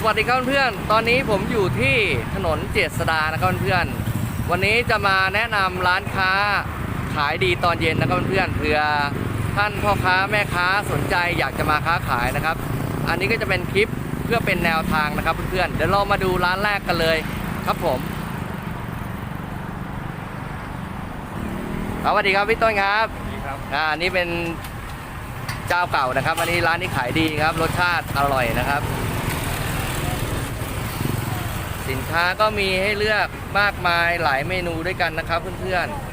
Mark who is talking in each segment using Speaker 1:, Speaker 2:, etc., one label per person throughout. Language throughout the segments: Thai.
Speaker 1: วัสดีครับเพื่อนตอนนี้ผมอยู่ที่ถนนเจษฎานะครับเพื่อนวันนี้จะมาแนะนำร้านค้าขายดีตอนเย็นนะครับเพื่อนเผื่อท่านพ่อค้าแม่ค้าสนใจอยากจะมาค้าขายนะครับอันนี้ก็จะเป็นคลิปเพื่อเป็นแนวทางนะครับเพื่อนเดี๋ยวเรามาดูร้านแรกกันเลยครับผมสวัสดีครับพี่ต้นครับอันนี้เป็นเจ้าเก่านะครับอันนี้ร้านนี้ขายดีครับรสชาติอร่อยนะครับสินค้าก็มีให้เลือกมากมายหลายเมนูด้วยกันนะครับเพื่อนๆ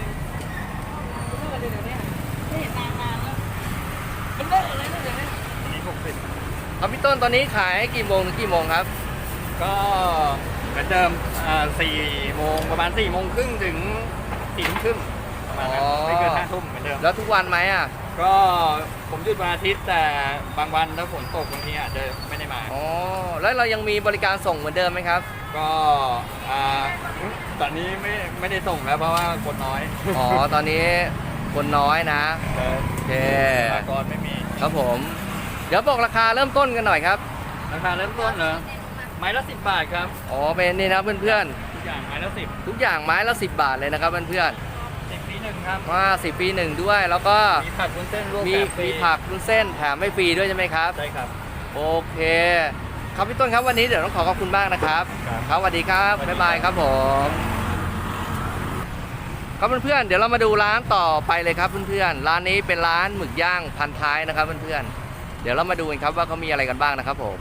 Speaker 1: ครับพี่ต้นตอนนี้ขายกี่โมงถึงกี่โมงครับ
Speaker 2: ก็เหมือนเดิม4 โมงประมาณ4 โมงครึ่งถึง4 ทุ่มครึ่งประมาณนั้นไม่เกิน5 ทุ่มเหมือนเดิม
Speaker 1: แล้วทุกวันไหมอ่ะ
Speaker 2: ก็ผมหยุดวันอาทิตย์แต่บางวันถ้าฝนตกบางทีอาจจะไม่ได้มา
Speaker 1: อ๋อแล้วเรายังมีบริการส่งเหมือนเดิมไหมครับ
Speaker 2: ก็ตอนนี้ไม่ได้ส่งแล้วเพราะว่าคนน้อย
Speaker 1: อ๋อตอนนี้คนน้อยนะโอเค
Speaker 2: ปากรไม่มี
Speaker 1: ครับผมเดี๋ยวบอกราคาเริ่มต้นกันหน่อยครับ
Speaker 2: ราคาเริ่มต้นเหรอไม้ละ10 บาทครับ
Speaker 1: อ๋อเป็นนี่นะเพื่อน
Speaker 2: ๆทุกอย่างไม้ละ10
Speaker 1: ทุกอย่างไม้ละ10 บาทเลยนะครับเพื่อน
Speaker 2: 10 ปี1ครับ
Speaker 1: ว่า10 ปี 1ด้วยแล้วก็
Speaker 2: มีผักวุ้นเส้นรวม
Speaker 1: มีผักวุ้นเส้นแถมไม่ฟรีด้วยใช่ไหมครับ
Speaker 2: ใช่ครับ
Speaker 1: โอเคครับพี่ต้นครับวันนี้เดี๋ยวต้องขอบคุณมากนะครับครับสวัสดีครับบ๊ายบายครับผมครับเพื่อนๆเดี๋ยวเรามาดูร้านต่อไปเลยครับเพื่อนๆร้านนี้เป็นร้านหมึกย่างพันท้ายนะครับเพื่อนๆเดี๋ยวเรามาดูกันครับว่าเขามีอะไรกันบ้างนะครับผม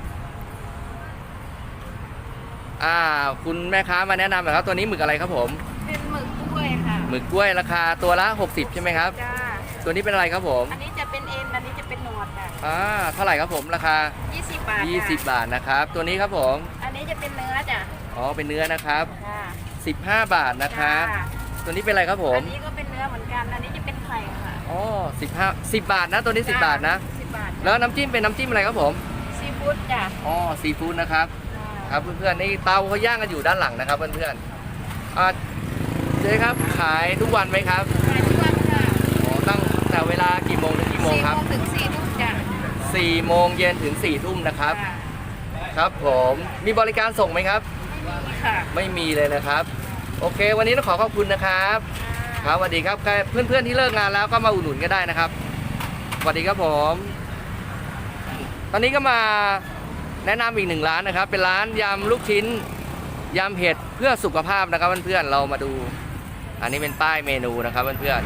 Speaker 1: คุณแม่ค้ามาแนะนำหน่อยครับตัวนี้หมึกอะไรครับผม
Speaker 3: เป็นหมึกกล้วยค่ะ
Speaker 1: หมึกกล้วยราคาตัวละ60ใช่ไหมครับ
Speaker 3: จ้า
Speaker 1: ตัวนี้เป็นอะไรครับผม
Speaker 3: อันนี้จะเป็นเอ็นอันนี้จะเป็นหนวดค่ะ
Speaker 1: เท่าไหร่ครับผมราคา
Speaker 3: 20 บาท
Speaker 1: 20 บาทนะครับตัวนี้ครับผม
Speaker 3: อันนี้จะเป็นเนื้อจ้ะ
Speaker 1: อ๋อเป็นเนื้อนะครับ15 บาทนะครับตัวนี้เป็นอะไรครับผม
Speaker 3: อันนี้ก็เป็นเนื้อเหมือนกันอันนี้จะเป็นไข่ค่ะ
Speaker 1: อ๋อ10 บาทนะตัวนี้10 บาทนะ
Speaker 3: 10 บาท
Speaker 1: แล้วน้ำจิ้มเป็นน้ำจิ้มอะไรครับผม
Speaker 3: ซีฟู้ดจ้ะ
Speaker 1: อ๋อซีฟู้ดนะครับครับเพื่อนๆนี่เตาเขาย่างกันอยู่ด้านหลังนะครับเพื่อนๆเจ๊ครับขายทุกวันไหมครับ
Speaker 3: ขายทุกวันค่ะ
Speaker 1: อ๋อตั้งแต่เวลากี่โมงถึงกี่โมงครับ
Speaker 3: 4 โมงถึง 4 ทุ่มจ้ะ
Speaker 1: 4 โมงเย็นถึง 4 ทุ่มนะครับครับผมมีบริการส่งไหมครับไม่มีเลยนะครับโอเควันนี้ต้องขอบคุณนะครับครับสวัสดีครับเพื่อนๆที่เลิกงานแล้วก็มาอุดหนุนก็ได้นะครับสวัสดีครับผมตอนนี้ก็มาแนะนำอีก1 ร้านนะครับเป็นร้านยำลูกชิ้นยำเห็ดเพื่อสุขภาพนะครับเพื่อนๆเรามาดูอันนี้เป็นป้ายเมนูนะครับเพื่อน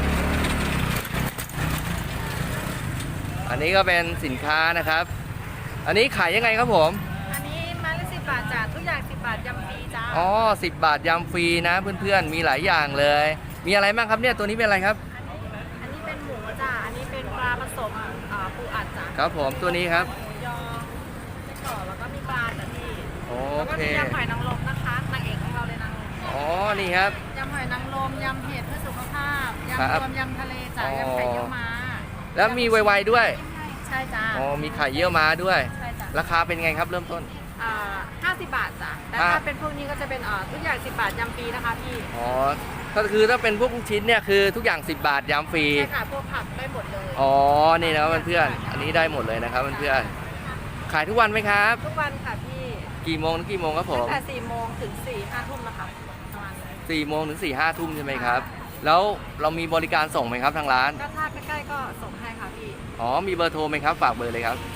Speaker 1: ๆอันนี้ก็เป็นสินค้านะครับอันนี้ขายยังไงครับผม
Speaker 3: อันนี้ไม้ละ10 บาทจ้ะทุกอย่าง10 บาทยำฟรีจ้า
Speaker 1: อ๋อ10 บาทยำฟรีนะเพื่อนๆมีหลายอย่างเลยมีอะไรบ้างครับเนี่ยตัวนี้เป็นอะไรครับ
Speaker 3: อันนี้เป็นหมูจ้ะอันนี้เป็นปลาผสมปูอัดจ้ะ
Speaker 1: ครับผมตัวนี้ครับ
Speaker 3: หมูยอไส้กรอกแล้วก็มีปลาจ้ะพี่
Speaker 1: โอเค
Speaker 3: แล้วก็มียำหอยนางรมนะคะนางเอกของเราเลยนางรม
Speaker 1: อ๋อนี่ครับ
Speaker 3: ยำหอยนางรมยำเห็ดเพื่อสุขภาพยำรวมยำทะเลจ้ะยำไข่เยี่ยวม้า
Speaker 1: แล้วมีไวๆด้วย
Speaker 3: ใช่จ้ะ
Speaker 1: อ๋อมีไข่เยี่ยวม้าด้วย
Speaker 3: ใช่จ้ะ
Speaker 1: ราคาเป็นไงครับเริ่มต้น
Speaker 3: 50 บาทจ้ะแต่ถ้าเป็นพวกนี้ก็จะเป็นทุกอย่าง10 บาทยำฟรีนะคะพี่
Speaker 1: อ๋อก็คือถ้าเป็นพวกชิ้นเนี่ยคือทุกอย่าง10 บาทยำฟรี
Speaker 3: ใช่ค่ะพวกผักได้หมดเลย
Speaker 1: อ๋อนี่นะครับเพื่อนๆอันนี้ได้หมดเลยนะครับเพื่อนๆขายทุกวันไหมครับ
Speaker 3: ทุกวันค่ะพี่
Speaker 1: กี่โมงถึงกี่โมงครับผม
Speaker 3: ตั้งแต่4 โมงถึง4-5 ทุ่มนะคะประมาณ
Speaker 1: 4 โมงถึง4-5 ทุ่มใช่ไหมครับแล้วเรามีบริการส่งไหมครับทางร้าน
Speaker 3: ก็ถ้าใกล้ๆก็ส่งให้ค่ะพี่
Speaker 1: อ๋อมีเบอร์โทรไหมครับฝากเบอร์เลยครับ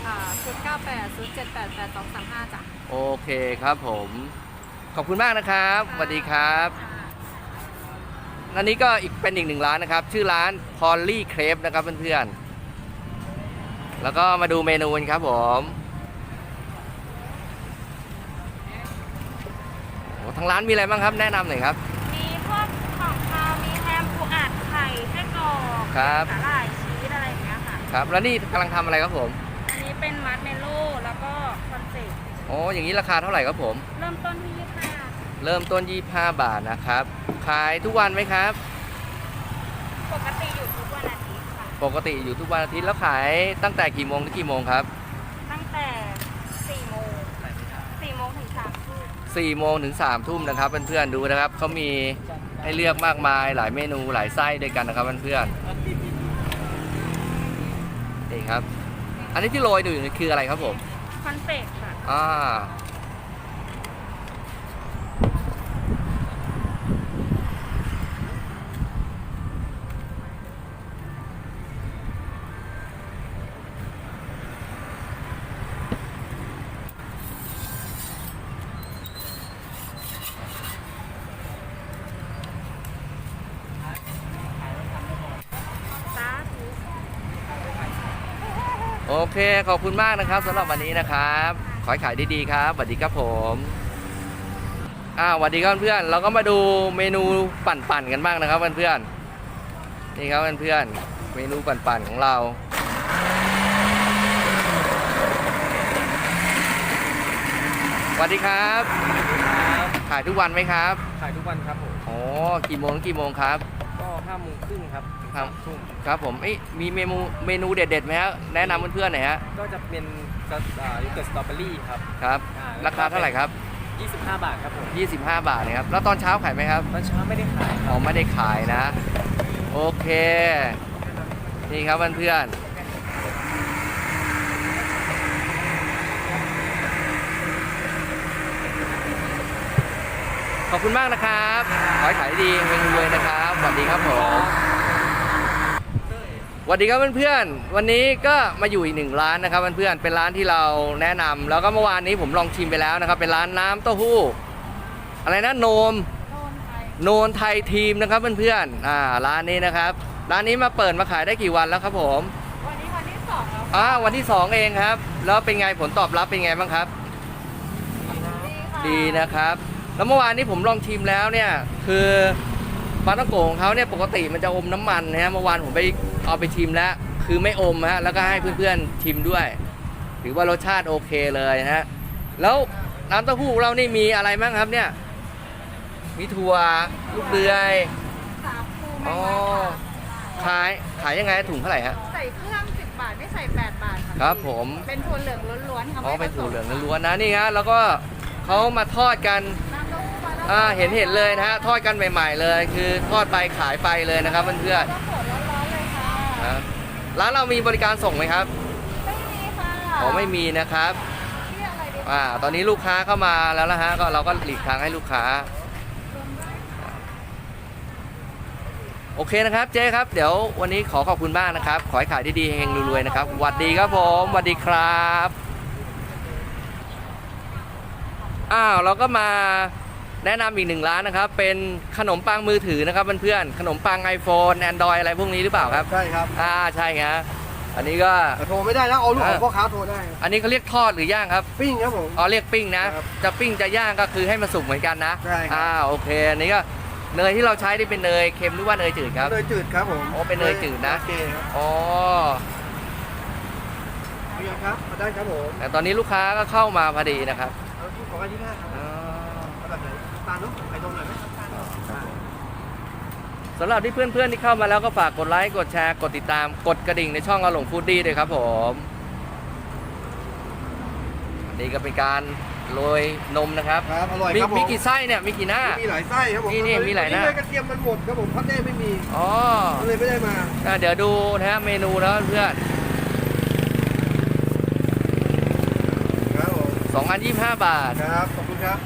Speaker 3: 098-078-8235จ้ะ
Speaker 1: โอเคครับผมขอบคุณมากนะครับสวัสดีครับอันนี้ก็เป็นอีก1 ร้านนะครับชื่อร้านพอลลี่เครปนะครับเพื่อนๆแล้วก็มาดูเมนูกันครับผมทางร้านมีอะไรบ้างครับแนะนำหน่อยครับ
Speaker 3: มีพวกของคาวมีแฮมปูอัดไข่ไส้กรอกสาหร่ายชีสอะไรอย่างเงี้ยค่ะ
Speaker 1: ครับแล้วนี่กำลังทำอะไรครับผม
Speaker 3: อันนี้เป็นมัดเมโล่แล้วก็คอนเซ็ปต์
Speaker 1: อ๋ออย่างนี้ราคาเท่าไหร่ครับผม
Speaker 3: เริ่มต้นที่25
Speaker 1: เริ่มต้น25 บาทนะครับขายทุกวันไหมครับ
Speaker 3: ปกติอยู่ทุกวันอาทิตย์ค่ะ
Speaker 1: ปกติอยู่ทุกวันอาทิตย์แล้วขายตั้งแต่กี่โมงถึงกี่โมงครับ
Speaker 3: ตั้งแต่4 โมงถึง 3 ทุ่ม
Speaker 1: 4 โมงถึง 3 ทุ่มนะครับเพื่อนๆดูนะครับเขามีให้เลือกมากมายหลายเมนูหลายไส้ด้วยกันนะครับเพื่อนๆนี่ครับอันนี้ที่โรยอยู่คืออะไรครับผม
Speaker 3: คอนเฟกค่ะ
Speaker 1: โอเคขอบคุณมากนะครับสำหรับวันนี้นะครับขอให้ขายดีๆครับสวัสดีครับผมสวัสดีครับเพื่อนเราก็มาดูเมนูปั่นๆกันบ้างนะครับเพื่อนๆนี่ครับเพื่อนๆเมนูปั่นๆของเราสวัสดีครับขายทุกวันไหมครับ
Speaker 2: ขายทุกวันครับผม
Speaker 1: อ๋อกี่โมงถึงกี่โมงครับ
Speaker 2: ก็5 โมงครึ่งครับถึง
Speaker 1: ครับ
Speaker 2: 3 ทุ่ม
Speaker 1: ครับผมมีเมนูเด็ดๆไหมฮะแนะนำเพื่อนๆหน่อยฮะ
Speaker 2: ก็จะเป็นโยเกิร์ตสตรอเบอรี่ครับ
Speaker 1: ครับ ราคาเท่าไหร่ครับ
Speaker 2: 25 บาทครับผม
Speaker 1: 25 บาทนะครับแล้วตอนเช้าขายไหมครับ
Speaker 2: ตอนเช้าไม่ได้ขายค
Speaker 1: อ๋
Speaker 2: รั
Speaker 1: อบ ไม่ได้ขายนะ โอเค นี่ครับเพื่อนๆขอบคุณมากนะครับขอให้ขายดีเฮงรวยนะครับสวัสดีครับผมสวัสดีครับเพื่อนๆวันนี้ก็มาอยู่อีกหนึ่งร้านนะครับเพื่อนๆเป็นร้านที่เราแนะนำแล้วก็เมื่อวานนี้ผมลองชิมไปแล้วนะครับเป็นร้านน้ำเต้าหู้อะไรนะโนนไทยทีมนะครับเพื่อนๆร้านนี้นะครับร้านนี้มาเปิดมาขายได้กี่วันแล้วครับผม
Speaker 3: วันนี้วันที่2แล้ว
Speaker 1: วันที่2เองครับแล้วเป็นไงผลตอบรับเป็นไงบ้างครับ ดีนะครับแล้วเมื่อวานนี้ผมลองชิมแล้วเนี่ยคือปลาท่องโกของเขาเนี่ยปกติมันจะอมน้ำมันนะฮะเมื่อวานผมไปเอาไปชิมแล้วคือไม่อมฮะแล้วก็ให้เพื่อนๆชิมด้วยถือว่ารสชาติโอเคเลยนะฮะแล้วน้ำเต้าหู้ของเรานี่มีอะไรบ้างครับเนี่ยมีถั่วลูกเดือย
Speaker 3: สาคู
Speaker 1: อ๋
Speaker 3: ไม่
Speaker 1: อ
Speaker 3: ไว้ค่ะ
Speaker 1: ขายยังไงถุงเท่าไหร่ฮะ
Speaker 3: ใส่เครื่อง10 บาทไม่ใส่8 บาทค่ะ
Speaker 1: ครับผม
Speaker 3: เป็นถั่วเหลืองล้วนๆค่ะ
Speaker 1: อ๋อ
Speaker 3: ไม่ผสม
Speaker 1: เป็นถั่วเหลืองล้วนๆนะนี่ฮะแล้วก็เขามาทอดกัน
Speaker 3: น้ำเต้าหู้มาแล้ว
Speaker 1: เห็นเลยนะฮะทอดกันใหม่ๆเลย คือทอดไปขายไปเลยนะครับเพื่อน
Speaker 3: ก็สดร้อนๆเลยค่ะ
Speaker 1: ๆนะร้านเรามีบริการส่งไหมครับ
Speaker 3: ไม่มีค่ะ
Speaker 1: อ๋อไม่มีนะครับ
Speaker 3: เรียกอะไรดี
Speaker 1: ตอนนี้ลูกค้าเข้ามาแล้วนะฮะก็เราก็หลีกทางให้ลูกค้าโอเคนะครับเจ๊ครับเดี๋ยววันนี้ขอขอบคุณมากนะครับขอให้ขายดีๆเฮงๆรวยๆนะครับสวัสดีครับผมสวัสดีครับเราก็มาแนะนำอีกหนึ่งร้านนะครับเป็นขนมปังมือถือนะครับเพื่อนๆขนมปัง iPhone Android อะไรพวกนี้หรือเปล่าครับ
Speaker 4: ใช่ครับ
Speaker 1: ใช่ครับอันนี้ก็
Speaker 4: แต่โทรไม่ได้นะเอาลูกของพ่อค้าโทรได้
Speaker 1: อันนี้เขาเรียกทอดหรือย่างครับ
Speaker 4: ปิ้งครับผม
Speaker 1: เรียกปิ้งนะครับ จะปิ้งจะย่างก็คือให้มันสุกเหมือนกันนะ
Speaker 4: ใช่ครับ
Speaker 1: โอเคอันนี้ก็เนยที่เราใช้นี่เป็นเนยเค็มหรือว่าเนยจืดครับ
Speaker 4: เนยจืดครับผม
Speaker 1: อ๋อเป็นเนยจืดนะ
Speaker 4: โอเคครับ
Speaker 1: อ๋อ
Speaker 4: เรียนครับมาได้ครับผม
Speaker 1: แต่ตอนนี้ลูกค้าก็เข้ามาพอดีนะครับ
Speaker 4: เอาที่ของอันที่ห้าครับเอาแบบไหนตาลเนุ๊กไข่นมหน่อยไหม
Speaker 1: สำหรับที่เพื่อนๆที่เข้ามาแล้วก็ฝากกดไลค์กดแชร์กดติดตามกดกระดิ่งในช่องอาหลงฟูดดี้ด้วยครับผมอันนี้ก็เป็นการโรยนมนะครับ
Speaker 4: ครับอร่อยครับผม
Speaker 1: มีกี่ไส้เนี่ยมีกี่หน้า
Speaker 4: มีหลายไส้ครับผม
Speaker 1: นี่มีหลายหน้า
Speaker 4: วัเลยกระเทียมมันหมดครับผมพัดได้ไม่มี
Speaker 1: อ๋อ
Speaker 4: ก็เลยไม่ได้มา
Speaker 1: เดี๋ยวดูนะฮะเมนูแล้วเพื่อน
Speaker 4: ครับผม
Speaker 1: 2,025 บาท
Speaker 4: ครับขอบคุณครับ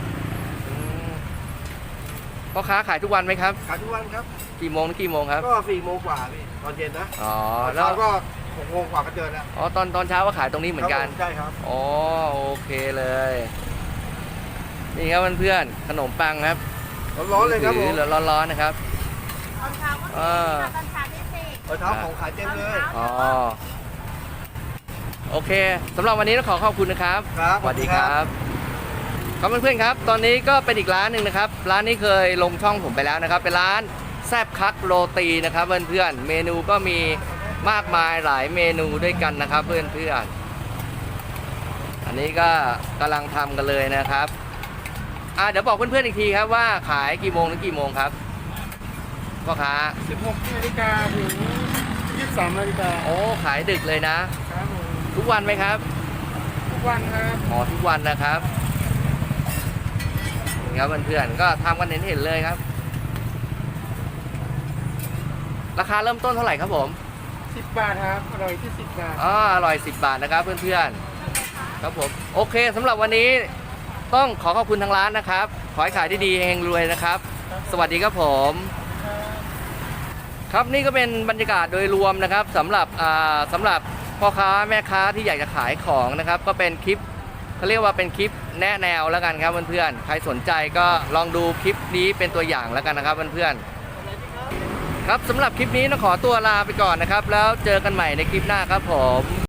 Speaker 1: พ่อค้าขายทุกวันไหมครับ
Speaker 4: ขายทุกวันครับ
Speaker 1: กี่โมงถึงกี่โมงครับ
Speaker 4: ก็4 โมงกว่าพี่ตอนเย็นนะ
Speaker 1: อ๋อ
Speaker 4: แล้
Speaker 1: แล้ว ว
Speaker 4: ก็6 โมงกว่าก็เจอแล้ว
Speaker 1: ตอนเช้าก็ขายตรงนี้เหมือนกัน
Speaker 4: ครับผใช่ครับ
Speaker 1: อ๋อโอเคเลย นี่ครับเพื่อนๆขนมปังครับ
Speaker 4: ร้อนๆเลยครับผม
Speaker 1: ถือร้อนๆนะครับ
Speaker 3: ตอนเช้าก็มี
Speaker 1: เออ
Speaker 3: ค่ะตอนเช้าพิเศษ
Speaker 4: ตอนเช้าของขายเต็มเลย
Speaker 1: อ๋อโอเคสำหรับวันนี้ต้องขอขอบคุณนะครับ
Speaker 4: ครับ
Speaker 1: สวัสดีครับครับเพื่อนๆครับตอนนี้ก็เป็นอีกร้านหนึ่งนะครับร้านนี้เคยลงช่องผมไปแล้วนะครับเป็นร้านแซบคักโรตีนะครับเพื่อนๆเมนูก็มีมากมายหลายเมนูด้วยกันนะครับเพื่อนๆอันนี้ก็กำลังทำกันเลยนะครับเดี๋ยวบอกเพื่อนๆอีกทีครับว่าขายกี่โมงถึงกี่โมงครับพ่อค้า
Speaker 4: 16 นาฬิกาถึง 23 นาฬิกา
Speaker 1: โอ้ขายดึกเลยนะ
Speaker 4: ครับผม
Speaker 1: ทุกวันไหมครับ
Speaker 4: ทุกวันครับ
Speaker 1: อ๋อทุกวันนะครับนี่ครับเพื่อนๆก็ทำกันเห็นๆเลยครับ ราคาเริ่มต้นเท่าไหร่ครับผม
Speaker 4: 10 บาทครับ อร่อยที่ 10 บาท
Speaker 1: อร่อย10 บาทนะครับเพื่อนๆครับผมโอเคสำหรับวันนี้ต้องขอบคุณทางร้านนะครับขอให้ขายดีๆเฮงๆรวยนะครับ สวัสดีครับผมครับนี่ก็เป็นบรรยากาศโดยรวมนะครับสำหรับพ่อค้าแม่ค้าที่อยากจะขายของนะครับก็เป็นคลิปเขาเรียกว่าเป็นคลิปแนะแนวแล้วกันครับเพื่อนๆใครสนใจก็ลองดูคลิปนี้เป็นตัวอย่างแล้วกันนะครับเพื่อนๆครับสำหรับคลิปนี้ต้องขอตัวลาไปก่อนนะครับแล้วเจอกันใหม่ในคลิปหน้าครับผม